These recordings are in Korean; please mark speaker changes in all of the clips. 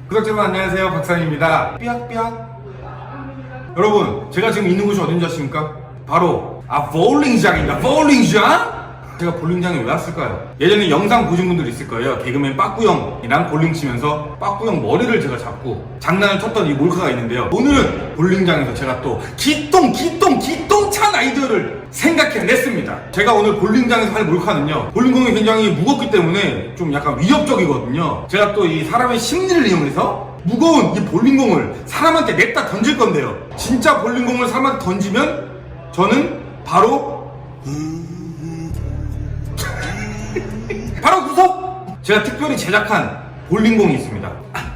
Speaker 1: 구독자 여러분 안녕하세요, 박상입니다. 삐약삐약. 여러분, 제가 지금 있는 곳이 어딘지 아십니까? 바로 볼링장입니다. 볼링장? 제가 볼링장에 왜 왔을까요? 예전에 영상 보신 분들 있을 거예요. 개그맨 빠꾸형이랑 볼링 치면서 빠꾸형 머리를 제가 잡고 장난을 쳤던 이 몰카가 있는데요. 오늘은 볼링장에서 제가 또 기똥찬 아이디어를 생각해냈습니다. 제가 오늘 볼링장에서 할 몰카는요, 볼링공이 굉장히 무겁기 때문에 좀 약간 위협적이거든요. 제가 또 이 사람의 심리를 이용해서 무거운 이 볼링공을 사람한테 냈다 던질 건데요, 진짜 볼링공을 사람한테 던지면 저는 바로 구속! 제가 특별히 제작한 볼링공이 있습니다.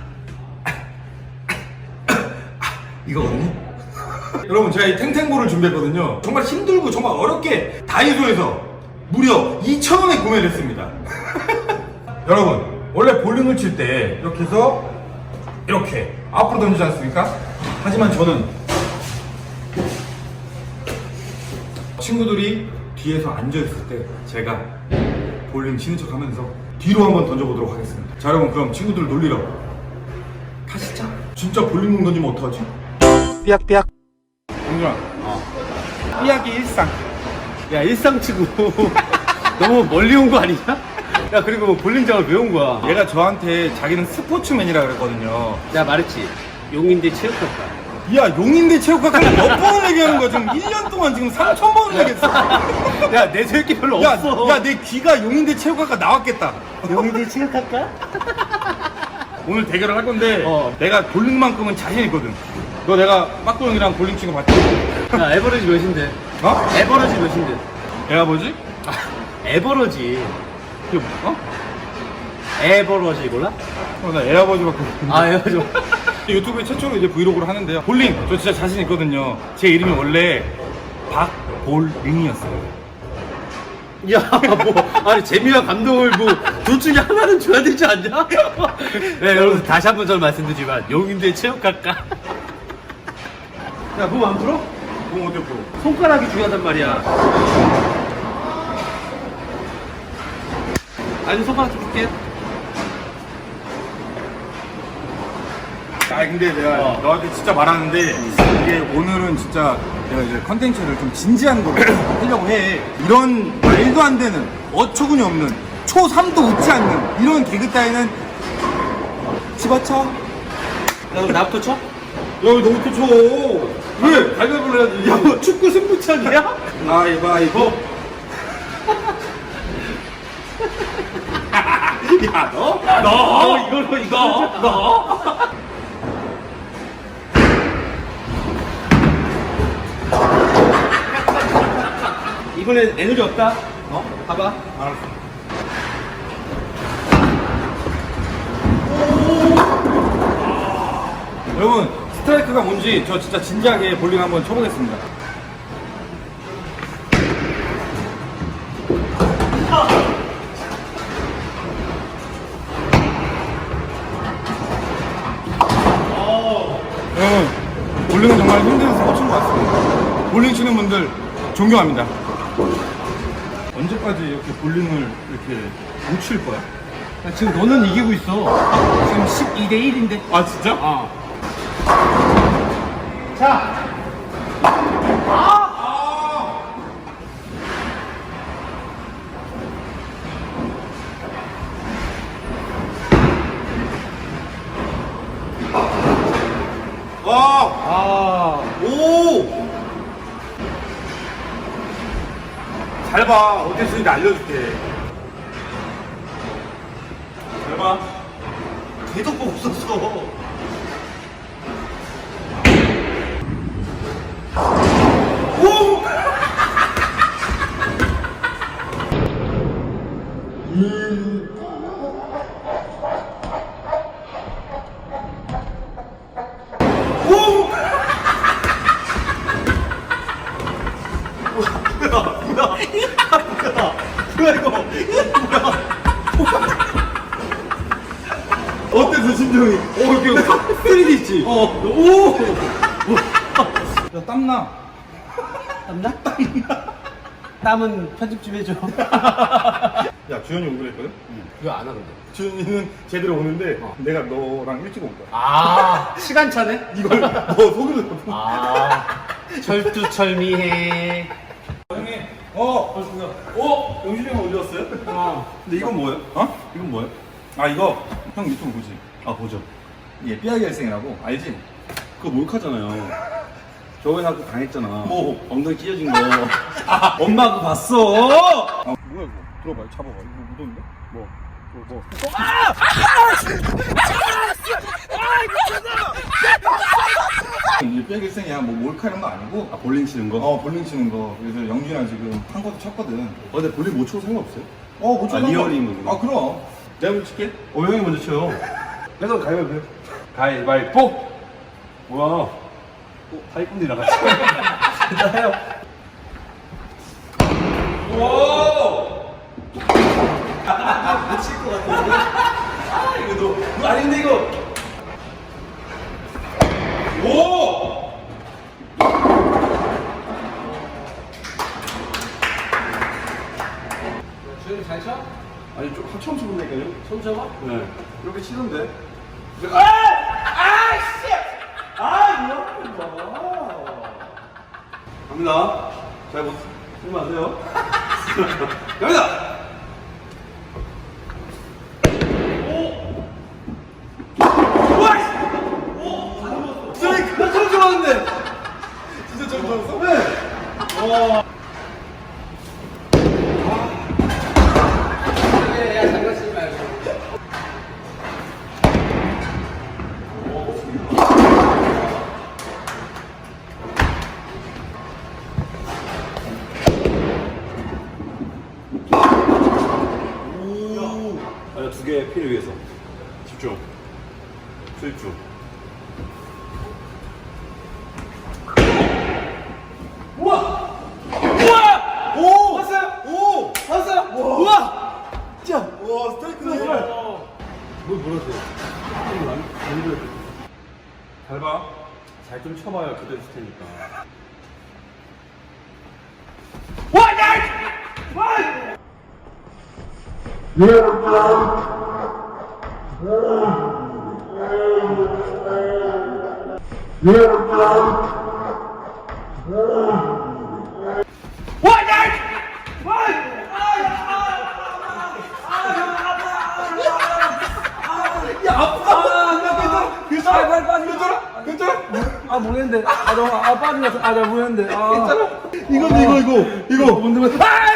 Speaker 1: 이거거든요. 여러분, 제가 이 탱탱볼을 준비했거든요. 정말 힘들고 정말 어렵게 다이소에서 무려 2,000원에 구매를 했습니다. 여러분, 원래 볼링을 칠 때 이렇게 해서 이렇게 앞으로 던지지 않습니까? 하지만 저는 친구들이 뒤에서 앉아있을 때 제가 볼링 치는 척 하면서 뒤로 한번 던져보도록 하겠습니다. 자, 여러분, 그럼 친구들 놀리러 가시죠. 진짜 볼링공 던지면 어떡하지?
Speaker 2: 삐약삐약.
Speaker 1: 영준아, 삐약이 일상.
Speaker 2: 야, 일상치고 너무 멀리 온 거 아니냐? 야, 그리고 뭐 볼링장을 왜 온 거야?
Speaker 1: 얘가 저한테 자기는 스포츠맨이라 그랬거든요.
Speaker 2: 내가 말했지, 용인대 체육학과.
Speaker 1: 야, 용인대 체육학과는 몇 번을 얘기하는 거야? 지금 1년 동안 지금 3,000번을 얘기했어.
Speaker 2: 야, 내 새끼 별로
Speaker 1: 야,
Speaker 2: 없어.
Speaker 1: 야, 내 귀가 용인대 체육학과 나왔겠다.
Speaker 2: 용인대 체육학과?
Speaker 1: 오늘 대결을 할 건데
Speaker 2: 어.
Speaker 1: 내가 볼링만큼은 자신 있거든. 너 내가 빠꾸 형이랑 볼링 치는 거 봤지?
Speaker 2: 야, 에버러지 몇인데?
Speaker 1: 어?
Speaker 2: 에버러지 몇인데?
Speaker 1: 내가 뭐지?
Speaker 2: 에버러지.
Speaker 1: 이게 뭐? 어?
Speaker 2: 에버러지 몰라?
Speaker 1: 나 에어버즈밖에 모르는데.
Speaker 2: 아, 에버러지.
Speaker 1: 유튜브에 최초로 이제 브이로그를 하는데요. 볼링 저 진짜 자신 있거든요. 제 이름이 원래 박볼링이었어요.
Speaker 2: 야, 뭐, 아니, 재미와 감동을 뭐, 둘 중에 하나는 줘야 되지 않냐? 네, 여러분, 다시 한 번 전 말씀드리지만, 용인대 체육학과. 야, 몸 안 풀어?
Speaker 1: 그럼 어때 또?
Speaker 2: 손가락이 중요하단 말이야. 아니, 손가락 좀 줄게.
Speaker 1: 아, 근데 내가 너한테 진짜 말하는데 이게 오늘은 진짜 내가 이제 컨텐츠를 좀 진지한 걸로 하려고 해. 이런 말도 안 되는 어처구니 없는 초3도 웃지 않는 이런 개그 따위는 집어쳐.
Speaker 2: 야, 그럼 나부터 쳐?
Speaker 1: 야, 왜 너부터 쳐? 왜?
Speaker 2: 가위바위보를 해야지. 야, 뭐 축구 승부차기야?
Speaker 1: 가위바위보. 야, 너?
Speaker 2: 이걸로. 이번엔 에너지 없다. 봐봐.
Speaker 1: 알았어. 여러분, 스트라이크가 뭔지 저 진짜 진지하게 볼링 한번 쳐보겠습니다. 여러분, 볼링은 정말 힘든 스포츠인 것 같습니다. 볼링 치는 분들 존경합니다. 언제까지 이렇게 볼링을 이렇게 못 칠 거야?
Speaker 2: 야, 지금 너는 이기고 있어. 지금 12대 1인데.
Speaker 1: 아, 진짜?
Speaker 2: 자.
Speaker 1: 오! 잘 봐. 어떻게 쓰는지 알려줄게. 잘 봐.
Speaker 2: 대도가 없었어.
Speaker 1: 오! 오!
Speaker 2: 뭐야 이거?
Speaker 1: 어땠어, 심정이? 이렇게 3D 있지?
Speaker 2: 오.
Speaker 1: 야, 땀나.
Speaker 2: 땀나? 땀은 편집 좀 해줘.
Speaker 1: 야 주현이 오기로 했거든?
Speaker 2: 왜 안 하는데?
Speaker 1: 주현이는 제대로 오는데 내가 너랑 일찍 올 거야.
Speaker 2: 아, 시간차네?
Speaker 1: 이걸 너 속이는 거.
Speaker 2: 아, 철두철미해.
Speaker 1: 형님, 영준이 형 어디 왔어요? 근데 이건 뭐예요? 이건 뭐예요? 아 이거 형 유튜브 보지? 아 보죠. 얘 삐아기 할생이라고 알지? 그거 몰카잖아요. 저번에 나 그거 당했잖아. 뭐? 엉덩이 찢어진 거. 엄마 그거 봤어. 뭐야 이거? 들어봐, 잡아봐. 이거 무던데? 뭐? 이게 삐아기 할생이야. 뭐 몰카 이런 거 아니고. 아 볼링 치는 거? 볼링 치는 거. 그래서 영준이랑 지금 한 것도 쳤거든.
Speaker 3: 근데 볼링 못 쳐도 상관없어요?
Speaker 1: 못 쳐.
Speaker 3: 리얼인 거구나.
Speaker 1: 그럼.
Speaker 3: 내가 먼저 칠게. 형이 먼저 쳐. 그래서 가위바위보. 가위바위보. 뭐야? 사기꾼이랑 같이. 진짜요? 미칠 것 같은데. 이거 너 아닌데 이거.
Speaker 2: 주현이 잘 쳐?
Speaker 3: 아니 좀 처음 쳐본다니까요?
Speaker 2: 손 잡아?
Speaker 3: 네.
Speaker 1: 이렇게 치던데.
Speaker 3: 갑니다. 잘 보세요. 쓰지 마세요. 갑니다.
Speaker 1: 처음 쳐봤는데. 진짜 처음 쳐봤어? 네.
Speaker 2: 야, 장난치지 말고.
Speaker 3: 아니 두 개 필요 위해서. 집중. 수입중. 잘 봐. 잘 좀 쳐봐야 그대로 칠 테니까.
Speaker 4: 아 모르겠는데 나 빠지면서 나 모르겠는데
Speaker 1: 이거 뭔데?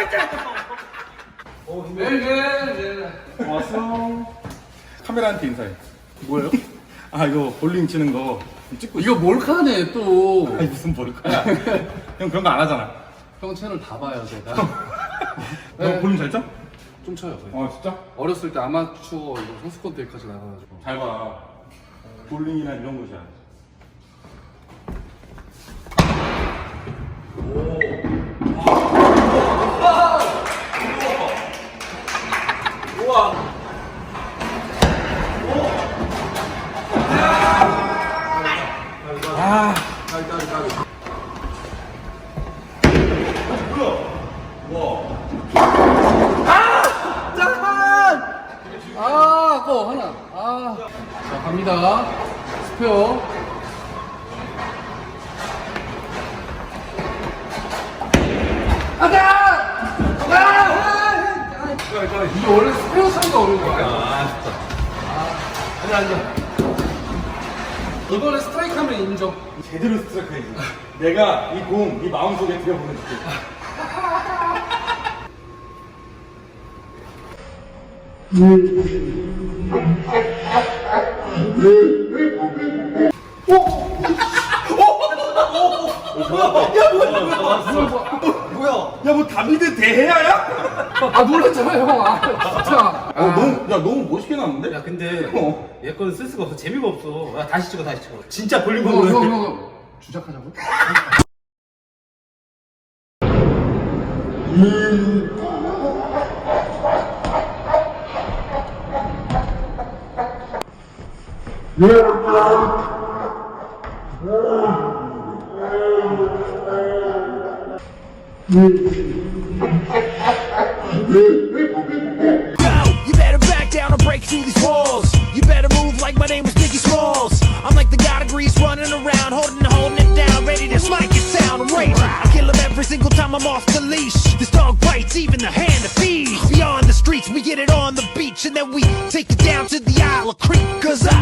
Speaker 3: 왔어.
Speaker 1: 카메라한테 인사해.
Speaker 2: 뭐예요?
Speaker 1: 이거 볼링 치는 거 찍고 있어.
Speaker 2: 이거 몰카네, 또.
Speaker 1: 아니 무슨 볼까야? 형 그런 거 안 하잖아.
Speaker 2: 형 채널 다 봐요, 제가.
Speaker 1: 너 볼링 잘 쳐?
Speaker 2: 좀 쳐요. 거의.
Speaker 1: 진짜?
Speaker 2: 어렸을 때 아마추어 이거 선수권 대회까지 나가가지고.
Speaker 1: 잘 봐. 볼링이나 이런 거잖아.
Speaker 2: 그거 하나. 자, 갑니다. 스페어. 이게 원래 스페어 차이가 어려운 거야. 아니야. 이번에 스트라이크 하면 인정.
Speaker 1: 제대로 스트라이크 해야지. 내가 이 공, 네 마음속에 들여보내줄게. 야, 뭐 다비드 대해야야?
Speaker 2: 놀랐잖아요, 형. 진짜.
Speaker 1: 너무 멋있게 나왔는데?
Speaker 4: 야 근데
Speaker 1: 어.
Speaker 4: 얘 거는 쓸 수가 없어 재미가 없어 야 다시 찍어 진짜 볼링
Speaker 2: 형,
Speaker 4: 보는
Speaker 2: 형, 형. 주작하자고?
Speaker 5: 네. through these walls. You better move like my name was Biggie Smalls. I'm like the god of Grease running around, holding it down, ready to smite your town. I'm raging. I kill him every single time I'm off the leash. This dog bites even the hand that feeds. Beyond the streets, we get it on the beach, and then we take it down to the Isle of Creek. Cause